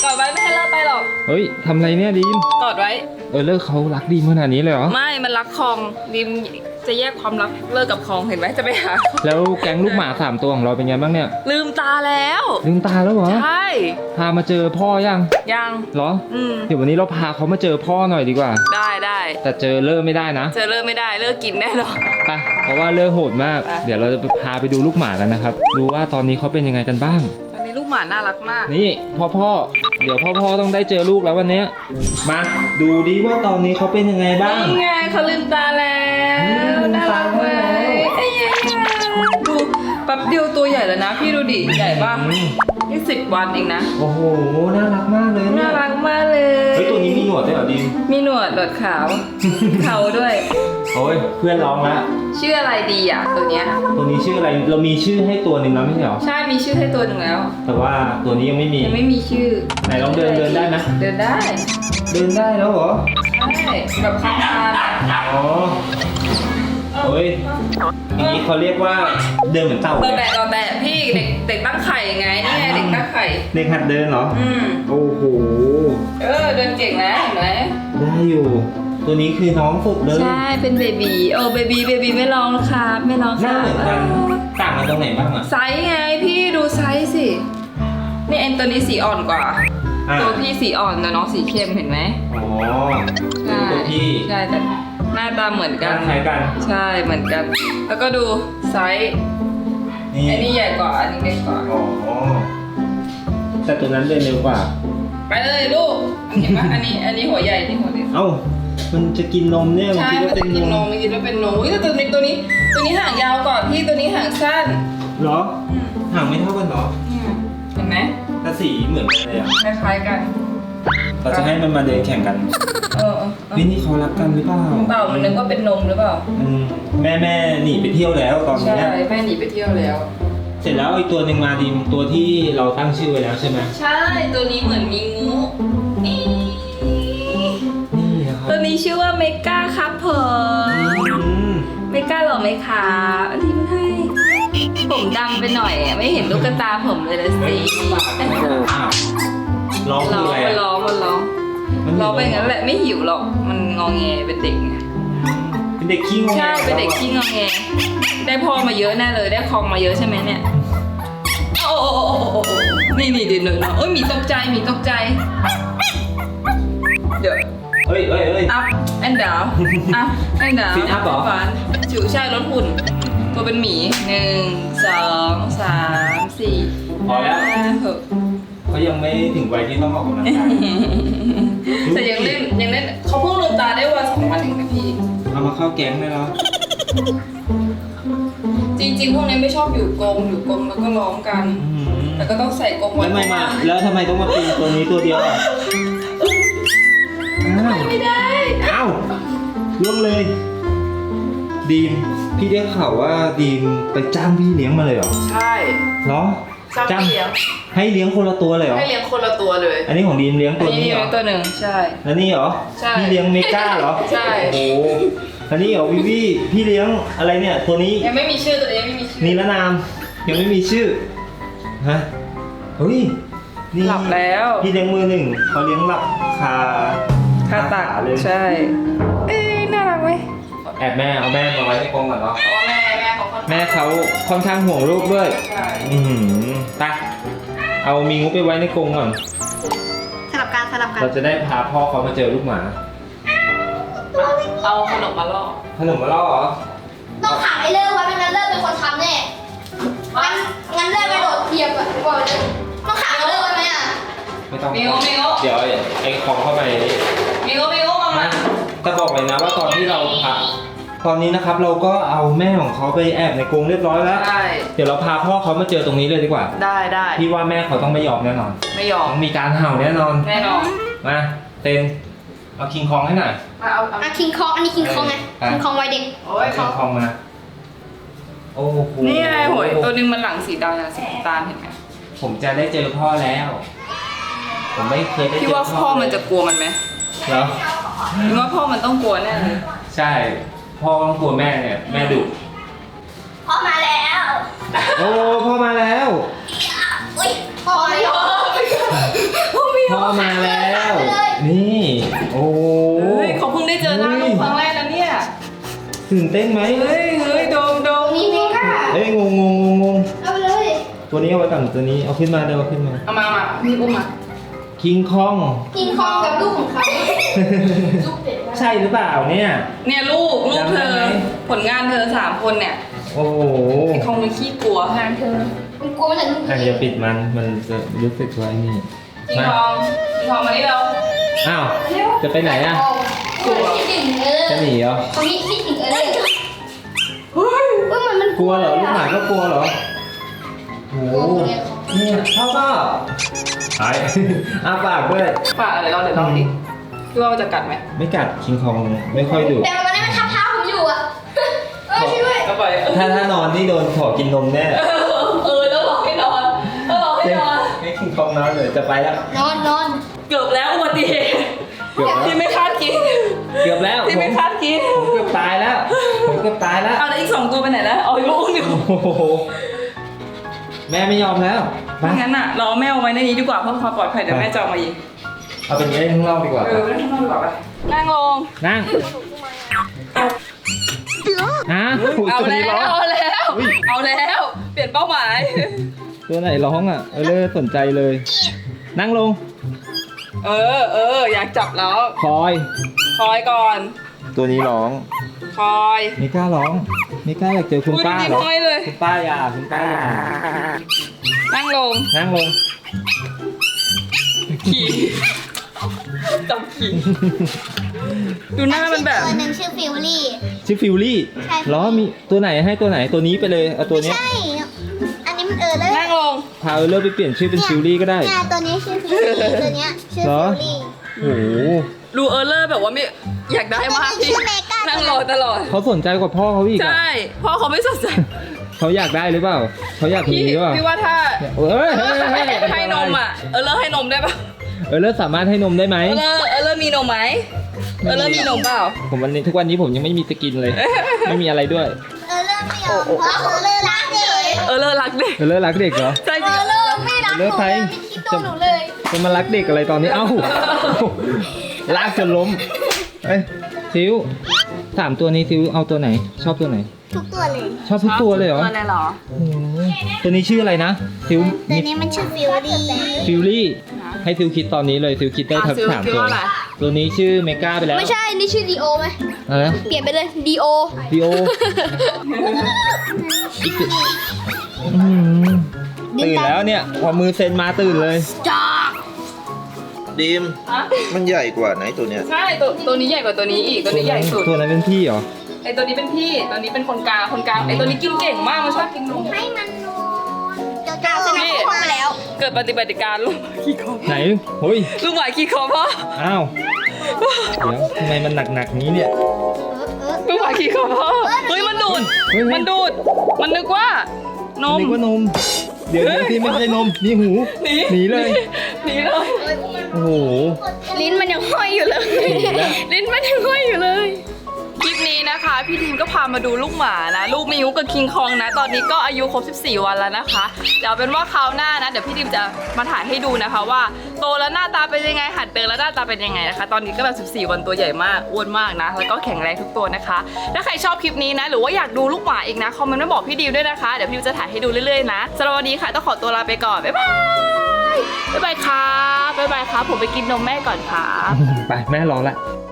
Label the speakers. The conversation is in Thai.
Speaker 1: กอดไว้ไม่ให้เลิกไปหรอก
Speaker 2: เฮ้ยทำไรเนี่ยดีม
Speaker 1: กอดไว้
Speaker 2: เลิกเขารักดีมขนาดนี้เลยเหรอ
Speaker 1: ไม่มันรักคองดิมจะแยกความรักเลิกกับคองเห็นไหมจะไปหา
Speaker 2: แล้วแก๊งลูกหมา3ตัวของเราเป็นไงบ้างเนี่ย
Speaker 1: ลืมตาแล้ว
Speaker 2: ลืมตาแล้วเหรอ
Speaker 1: ใช่
Speaker 2: พามาเจอพ่อยัง
Speaker 1: ยัง
Speaker 2: เหรอ
Speaker 1: ม
Speaker 2: เดี๋ยววันนี้เราพาเขามาเจอพ่อหน่อยดีกว่า
Speaker 1: ได้
Speaker 2: แต่เจอเลิกไม่ได้นะ
Speaker 1: เจอเลิกไม่ได้เลิกกินแน่นอน
Speaker 2: ไปเพราะว่าเลิกโหดมาก
Speaker 1: ไป
Speaker 2: เดี๋ยวเราจะพาไปดูลูกหมากันนะครับ ดูว่าตอนนี้เขาเป็นยังไงกันบ้าง
Speaker 1: ตอนนี้ลูกหมาน่ารักมาก
Speaker 2: นี่พ่อเดี๋ยวพ่อต้องได้เจอลูกแล้ววันนี้มาดูดิว่าตอนนี้เขาเป็นยังไงบ้าง
Speaker 1: นี่ไงเขาลืมตาแล้วน่ารักไหมไอ้ยังดูแป๊บเดียวตัวใหญ่แล้วนะ พี่ดูดิใหญ่ป่ะนี่10 วันเองนะ
Speaker 2: โอ้โหน่ารักมากเลย
Speaker 1: น่ารักมากเลย
Speaker 2: เฮ้ยตัวนี้มีหนวดด้วยเหรอดิม
Speaker 1: มีหนวดขาว เขาด้วย
Speaker 2: โอ้ยเพื่อนร้องละ
Speaker 1: ชื่ออะไรดีอ่ะตัวเนี้ย
Speaker 2: ตัวนี้ชื่ออะไรเรามีชื่อให้ตัวหนึ่งแล้วไม่ใช่เหรอ
Speaker 1: ใช่มีชื่อให้ตัวหนึ่งแล้ว
Speaker 2: แต่ว่าตัวนี้ยังไม่มี
Speaker 1: ยังไม่มีชื่อ
Speaker 2: ไหนลองเดินได้ไหม
Speaker 1: เดินได้
Speaker 2: เดินได้แล้วเหรอ
Speaker 1: ใช่แบบคลาน
Speaker 2: อ๋อเฮ้ยอย่างนี้เขาเรียกว่าเดินเหมือนเต่า
Speaker 1: เบอ
Speaker 2: เล
Speaker 1: ร์
Speaker 2: ย
Speaker 1: แบะพี่เด็กตั้งไข่ไงนี่ไงเด็กตั้งไข่
Speaker 2: เด็กหัดเดินเหรอ โอ้โห
Speaker 1: เดินเก่งนะเห็นไหม
Speaker 2: ได้อยู่ ตัวนี้คือน้องฝึกเลย
Speaker 1: ใช่เป็นเบบีเบบีไม่ร้องครับไม่ร้อง
Speaker 2: ห
Speaker 1: ค
Speaker 2: น้า
Speaker 1: รับ
Speaker 2: เหมือนกันต่างกันตรงไหนบ้างอ่ะ
Speaker 1: ไซส์ไงพี่ดูไซส์สินี่เอ็นตัวนี้สีอ่อนกว่า
Speaker 2: อ่ะ
Speaker 1: ตัวพี่สีอ่อนแต่น้องสีเข้มเห็นไหม
Speaker 2: อ๋อ
Speaker 1: ใช่
Speaker 2: ตัวพี่
Speaker 1: ใช่แต่หน้าตาเหมือนกัน
Speaker 2: คล้ายกัน
Speaker 1: ใช่เหมือนกัน แล้วก็ดูไซส์
Speaker 2: นี่
Speaker 1: อันนี้ใหญ่กว่าอันนี้เล็กกว่า
Speaker 2: อ๋อแต่ตัวนั้นเดินเร็วกว่า
Speaker 1: ไปเลยลูกเห็นไหมอันนี้หัวใหญ่ที่หัวเล็ก
Speaker 2: เอ้า มันจะกินนมเนี่ยมัน
Speaker 1: ใช่
Speaker 2: คิด
Speaker 1: มั
Speaker 2: ว่าน เป็
Speaker 1: จะ
Speaker 2: น
Speaker 1: กินน
Speaker 2: น
Speaker 1: ม
Speaker 2: ม
Speaker 1: ไม่กินว่าเป็นนมอุ้ยแต่ตัวนี้ห่างยาวกว่าพี่ตัวนี้ห่างสั้น
Speaker 2: เหรอ ห่างไม่เท่ากันเหรอ
Speaker 1: เห็นไหม
Speaker 2: แต่สีเหมือนกันเลยอ่ะ
Speaker 1: คล้ายๆกัน
Speaker 2: เราจะให้มันมาเดินแข่งกัน
Speaker 1: เออ
Speaker 2: นี่นี่เขารักกันหรือเปล่า
Speaker 1: เปล่ามันนึกว่าเป็นนมหรือเปล่า
Speaker 2: แม่หนีไปเที่ยวแล้วตอน
Speaker 1: ใช่
Speaker 2: นี้
Speaker 1: แม่หนีไปเที่ยวแล้ว
Speaker 2: เสร็จแล้วอีกตัวหนึ่งมาดีมตัวที่เราตั้งชื่อไว้แล้วใช่ไหม
Speaker 1: ใช่ตัวนี้เหมือนมีงูนี่
Speaker 2: นี่นะครับ
Speaker 1: ตัวนี้ชื่อว่าเมกาครับผม
Speaker 2: อืม
Speaker 1: เมกาหรอไหมคะอันนี้มันให้ผมดำไปหน่อยอะไม่เห็นลูกตาผมเลยนะสิ
Speaker 2: อ้าวร้อง
Speaker 1: ร้
Speaker 2: คือ อง อะไร
Speaker 1: มัน
Speaker 2: อะ
Speaker 1: ร้องมันร้อง
Speaker 2: มันหิว
Speaker 1: ร้องไปงั้นแหละไม่หิวหรอกมันงอแงเป็นเด็กไง
Speaker 2: เป็นเด็กขี้งง
Speaker 1: ใช่เป็นเด็กขี้งอแงได้พ่อมาเยอะแน่เลยได้คองมาเยอะใช่ไหมเนี่ยโอ้นี่เดี๋ยวโอ้ยหมีตกใจเดี๋ยว
Speaker 2: เฮ้ย
Speaker 1: อัพแอนดาวอัพแอนดาว
Speaker 2: Sit up เหรอ
Speaker 1: ฝันจิ๋วใช่ลดหุ่น ตัวเป็นหมี1 2 3 4
Speaker 2: พอแล้ว
Speaker 1: 5 6
Speaker 2: เขายังไม่ถึงวัยที่ต้องออกกำลังกาย
Speaker 1: แต่ยังเล่นเขาเพิ่งลืมตาได้วัน2 วันเองนะพี่
Speaker 2: เอามาเข้าแก๊งได้แล้ว
Speaker 1: จริงๆพวกนี้ไม่ชอบอยู่กรงแล้วก็ร้องกัน แต่ก็ต้องใส่กรงไว้
Speaker 2: แล้วทำไมต้องมาเป็นตัวนี้ตัวเดียวอ่ะอ้าว
Speaker 1: ไม่ได้
Speaker 2: อ้าวล่วงเลย ดีมพี่ได้ข่าวว่าดีมไปจ้างพี่เลี้ยงมาเลยเหรอ
Speaker 1: ใช่
Speaker 2: เหรอ
Speaker 1: จ้างเลี้ยง
Speaker 2: ให้เลี้ยงคนละตัวเลยเหรอ
Speaker 1: ให้เลี้ยงคนละตัวเลย
Speaker 2: อันนี้ของดีมเลี้ยง
Speaker 1: อั
Speaker 2: ตั
Speaker 1: น
Speaker 2: ว
Speaker 1: นี้
Speaker 2: นี้
Speaker 1: เลี้
Speaker 2: เห
Speaker 1: ย
Speaker 2: รง อ
Speaker 1: ตัวหนึ่งใช่
Speaker 2: แล้วนี่เหรอ
Speaker 1: ใช่
Speaker 2: พี่เลี้ยงเมกาเหรอ
Speaker 1: ใช่
Speaker 2: โอ้โหอันนี้เหรอพี่พี่เลี้ยงอะไรเนี่ยตัวนี้
Speaker 1: ยังไม่มีชื่อตัวนี้ยังไม่มีชื่อ
Speaker 2: นิรนามยังไม่มีชื่อฮะเฮ้ยนี่
Speaker 1: หลับแล้ว
Speaker 2: พี่เลี้ยงมือหนึ่งเขาเลี้ยงหลับคา
Speaker 1: ตัก
Speaker 2: ขาเลย
Speaker 1: ใช่ น่ารักไหม
Speaker 2: แอบแม่เอาแม่มาไว้ในกรงก่อนเนาะ
Speaker 1: เพราะว่าแม่เขาค่อนข้าง
Speaker 2: แม่เขาค่อนข้างห่วงลูกด้วย
Speaker 1: ใช่
Speaker 2: ไปเอามีงูไปไว้ในกรงก่อน
Speaker 3: สลับกัน
Speaker 2: เราจะได้พาพ่อเขามาเจอลูกหมา
Speaker 1: เอาขนมมาล่อ
Speaker 2: ขนมมาล่อเหรอ
Speaker 3: ต้องขังไอ้เลิกไว้ไม่งั้นเลิกเป็นคนทำแน่งั้นเลิกไปโดดเทียมอะบอกเลยต้องขังไอ้เลิกไว้ไหมอะ
Speaker 2: ไม่ต้อง
Speaker 1: มิโอ
Speaker 2: เดี๋ยวไอ้ของเข้าไป
Speaker 1: มิโอมามา
Speaker 2: แต่บอกเลยนะว่าตอนที่เราพาตอนนี้นะครับเราก็เอาแม่ของเขาไปแอบในกรงเรียบร้อยแล้ว
Speaker 1: ได้
Speaker 2: เดี๋ยวเราพาพ่อเขามาเจอตรงนี้เลยดีกว่า
Speaker 1: ได้
Speaker 2: พี่ว่าแม่เขาต้องไม่ยอมแน่นอน
Speaker 1: ไม่ยอม
Speaker 2: ต้องมีการเห่าแน่นอน
Speaker 1: แน่นอน
Speaker 2: มาเต็นเอาคิงคองให้หน่อย
Speaker 1: มาเอา
Speaker 3: อ่ะคิงคองอันนี้คิงคองไง
Speaker 2: อ่ะ
Speaker 3: คิงคองวัยเด็ก
Speaker 1: โอ้ย
Speaker 2: คิงคองมา โอ้โห
Speaker 1: นี่ไงหวยตัวนึงมันหลังสีดำนะสีน้ำตาลเห็นไหม
Speaker 2: ผมจะได้เจอพ่อแล้ว ผมไม่เคยได้เจอ
Speaker 1: พี่ว่าพ่อมันจะกลัวมันไหม
Speaker 2: เหรอ
Speaker 1: พี่ว่าพ่อมันต้องกลัวแน่เลย
Speaker 2: ใช่ พ่อต้องกลัวแม่เนี่ย แม่ดุ
Speaker 3: พ่อมาแล้ว
Speaker 2: โอ้พ่อมาแล้ว
Speaker 3: อุ้ยพ่อมาแล้ว
Speaker 1: พ่อมี
Speaker 2: พ่อมาแล้ว นี่ โอ้โห
Speaker 1: เฮ้ยเขาเพิ่งได้เจอหน้าลูกครั้งแรกนะเนี่ย
Speaker 2: ตื่นเต้นไหม
Speaker 1: เฮ้ยโดม
Speaker 3: มีเมก้า
Speaker 2: เอ้ยงง
Speaker 3: เอาไปเลย
Speaker 2: ตัวนี้เอาไว้ก่อนตัวนี้เอาขึ้นมาเดี๋ยวเอาขึ้นมา
Speaker 1: เอามาพี่อุ้มมา
Speaker 2: คิงคอง
Speaker 3: กินคองกับลูกของเขาลูกเด็ก
Speaker 2: ใช่หรือเปล่าเนี่ย
Speaker 1: เนี่ยลูกเธ
Speaker 2: จำได้
Speaker 1: อ
Speaker 2: ไหม
Speaker 1: ผลงานเธอ3 คนเนี่ย
Speaker 2: โอ้โห
Speaker 1: คงมันขี้กลัวงานเธอ
Speaker 3: มันกลัวมันจะลูก
Speaker 2: อ่ะอย่าปิดมันจะรู้สึกไว้นี่
Speaker 1: จริงทองมานี่เรา
Speaker 2: อ้าว จะไปไหนอ่ะ
Speaker 3: กลัวคิดถึงเ
Speaker 2: จะหนีเหรอ
Speaker 3: เขามีคิดถึงเลย
Speaker 1: เฮ้ย
Speaker 3: มัน
Speaker 2: กลัวเหรอลูกหมาก็กลัวเหรอโอ้โหเนี่ยพ่อก็หาย อ้าปากด้วย
Speaker 1: ฝากอะไรเราเดี๋ยวลองดิพี่ว่ามันจะกัดไหม
Speaker 2: ไม่กัดคิงคองไม่ค่อยดุ
Speaker 3: แต่วันนี้มันทับเท้าผมอยู่อ่ะช่วยด้วย
Speaker 1: ก็ไป
Speaker 2: ถ้านอนนี่โดนขอกินนมแน่
Speaker 1: แล้วหลอกให้นอน
Speaker 2: ให้คิงคองนอนเลยจะไปแล้ว
Speaker 3: นอน
Speaker 1: เกือบแล้วอุบัติเหตุ
Speaker 2: เกือบแล้ว
Speaker 1: ที่ไม่คาดคิด
Speaker 2: เกือบแล้ว
Speaker 1: ที่ไม่คาดคิด
Speaker 2: ผมเกือบตายแล้วผมเกือบตายแล้ว
Speaker 1: เอาแล้วอีก2 ตัวไปไหนแล้วเอาลูกอยู่
Speaker 2: โอ้โหแม่ไม่ยอมแล้วไป
Speaker 1: งั้นอ่ะเราเอาแม่เอาไว้ในนี้ดีกว่าเพื่อความปลอดภัยเดี๋ยวแม่จะเอามายิง
Speaker 2: เอาเป็นเล่นข้างนอกดีกว่า
Speaker 1: เล่นข้างนอกดีกว่าไปนั่งลง
Speaker 2: นั่งฮะ
Speaker 1: เอา
Speaker 2: ตัว
Speaker 1: แล้
Speaker 2: นี้ร้อง
Speaker 1: วเอาแล้ว เปลี่ยนเป้าหมาย
Speaker 2: ตัวไหนร้องอ่ะเลิศสนใจเลย นั่งลง
Speaker 1: อยากจับแล้ว
Speaker 2: คอย
Speaker 1: คอยก่อน
Speaker 2: ตัวนี้ร้อง
Speaker 1: คอย
Speaker 2: ไม่กล้าร้องไม่กล้าอยากเจอคุณป้า
Speaker 1: จริง
Speaker 2: หรอ
Speaker 1: ๆห้อยเลย
Speaker 2: คุณป้าอย่าคุณป้าอย่า
Speaker 1: นั่งลง
Speaker 2: นั่งลง
Speaker 1: ขี่จับขี่ดูหน้ามันแบบ
Speaker 3: ตัวหนึ่งชื่อฟิวลี่
Speaker 2: ชื่อฟิวลี่
Speaker 3: ใช่
Speaker 2: ล้อมีตัวไหนให้ตัวไหนตัวนี้ไปเลยเอาตัวเนี้ย
Speaker 3: ใช่ อันนี้มันเลย
Speaker 1: นั่งลง
Speaker 2: พาเลิศไปเปลี่ยนชื่อเป็นฟิวลี่ก็ได้
Speaker 3: เนี่ยตัวนี้ชื่อฟิวลี่ตัวเนี้ยชื่อ
Speaker 2: เหรอ
Speaker 3: ฟิวลี่
Speaker 2: โอ้โห
Speaker 1: ดูเลอร์แบบว่าไม่อยากได้มากพี่
Speaker 3: ชื่อเมกา
Speaker 1: นั่งรอตลอด
Speaker 2: เขาสนใจกว่าพ่อเขาอีก
Speaker 1: ใช่
Speaker 2: อะ
Speaker 1: พ่อเขาไม่สนใจ
Speaker 2: เขาอยากได้หรือเปล่าเขาอยากมี
Speaker 1: พี่
Speaker 2: หรือเปล่า
Speaker 1: พี่ว่าถ้า
Speaker 2: เอ้ยเฮ้ยเฮ้ย
Speaker 1: ให้นมอ่ะเลอร์ให้นมได้ปะ
Speaker 2: เลิศสามารถให้นมได้ไหม
Speaker 1: เลอร์มีนมไหมเลอร์มีนมเปล่า
Speaker 2: ผมทุกวันนี้ผมยังไม่มีจะกินเลย ไม่มีอะไรด้วย
Speaker 3: เริ่มไม่ยอมเพราะเริ่มรักเด็ก
Speaker 1: เลอร์รักเด็ก
Speaker 2: เลิศรักเด็กเหรอ
Speaker 1: ใช่จริง
Speaker 3: เริ่มไม่รักห
Speaker 2: เลิ
Speaker 3: นู
Speaker 2: กใคร
Speaker 3: เลยไม่คิดตัวหนูเลย
Speaker 2: จะมารักเด็กอะไรตอนนี้เอ้าลากจนล้มเอ้ยซิว3 ตัวนี้ซิวเอาตัวไหน ชอบตัวไหน
Speaker 3: ทุกตัวเลย
Speaker 2: ชอบทุกตัวเลยเหรอ
Speaker 1: ตัวอะไรเหรอ
Speaker 2: โอ้โหตัวนี้ชื่ออะไรนะซิว
Speaker 3: ตัวนี้มันชื่อฟิวลี่
Speaker 2: ฟิวลี่ให้ซิวคิดตอนนี้เลยซิวคิดได้ทั้ง
Speaker 1: ซิล
Speaker 2: 3
Speaker 1: คิด
Speaker 2: ตัว
Speaker 1: ว่าอะไร
Speaker 2: ตัวนี้ชื่อเมกาไปแล้ว
Speaker 3: ไม่ใช่ นี่ชื่อดีโอไหม
Speaker 2: อะไรนะ
Speaker 3: เปลี่ยนไปเลยดีโอ
Speaker 2: ดีโออีกตัวตื่นแล้วเนี่ยพอมือเซ็นมาตื่นเลย
Speaker 3: จ้า
Speaker 4: ดีม
Speaker 1: ฮะ
Speaker 4: มันใหญ่กว่าไหนตัวเนี้ย
Speaker 1: ใช่ตัวนี้ใหญ่กว่าตัวนี้อีกตัวนี้ใหญ่สุด
Speaker 2: ตัวนั้นเป็นพี่เหรอ
Speaker 1: ไอตัวนี้เป็นพี่ตัวนี้เป็นคนกลางไอตัวนี้กินเก่งมากมันชอบกินนม
Speaker 3: ให้มันนอนเดี๋ยวจะเอาไปแล้ว
Speaker 1: เกิดปฏิบัติการลูกหมาขี้คอ
Speaker 2: ไหนเฮ้ย
Speaker 1: ลูกหมาขี้คอพ่อ
Speaker 2: อ้าวเดี๋ยวทำไมมันหนักๆนี้เนี่ย
Speaker 1: ลูกหมาขี้คอพ่อเฮ้ยมันดูด
Speaker 2: เฮ้ย
Speaker 1: มันดูดมันนึกว่านม
Speaker 2: นึกว่านม เดี๋ยวที่ไม่ใช่นมนี่หู หนีเลย
Speaker 1: หนีเลย
Speaker 2: โอ้โห
Speaker 3: ลิ้นมันยังห้อยอยู่เลย
Speaker 2: แล้ว
Speaker 1: ลิ้นมันยังห้อยอยู่เลยคลิปนี้นะคะพี่ทีมก็พามาดูลูกหมานะลูกมิวกับคิงคองนะตอนนี้ก็อายุครบ14 วันแล้วนะคะเดี๋ยวเป็นว่าคราวหน้านะเดี๋ยวพี่ทีมจะมาถ่ายให้ดูนะคะว่าโตแล้วหน้าตาเป็นยังไงหัดเดินแล้วหน้าตาเป็นยังไงนะคะตอนนี้ก็แบบ14 วันตัวใหญ่มากอ้วนมากนะแล้วก็แข็งแรงทุกตัวนะคะถ้าใครชอบคลิปนี้นะหรือว่าอยากดูลูกหมาอีกนะคอมเมนต์มาบอกพี่ดิวด้วยนะคะเดี๋ยวพี่ดิวจะถ่ายให้ดูเรื่อยๆนะสำหรับวันนี้ค่ะต้องขอตัวลาไปก่อนบ๊ายบายบ๊ายบายครับบ๊ายบายครับผมไปกินนมแม่ก่อนครับ
Speaker 2: ไปแม่รอละ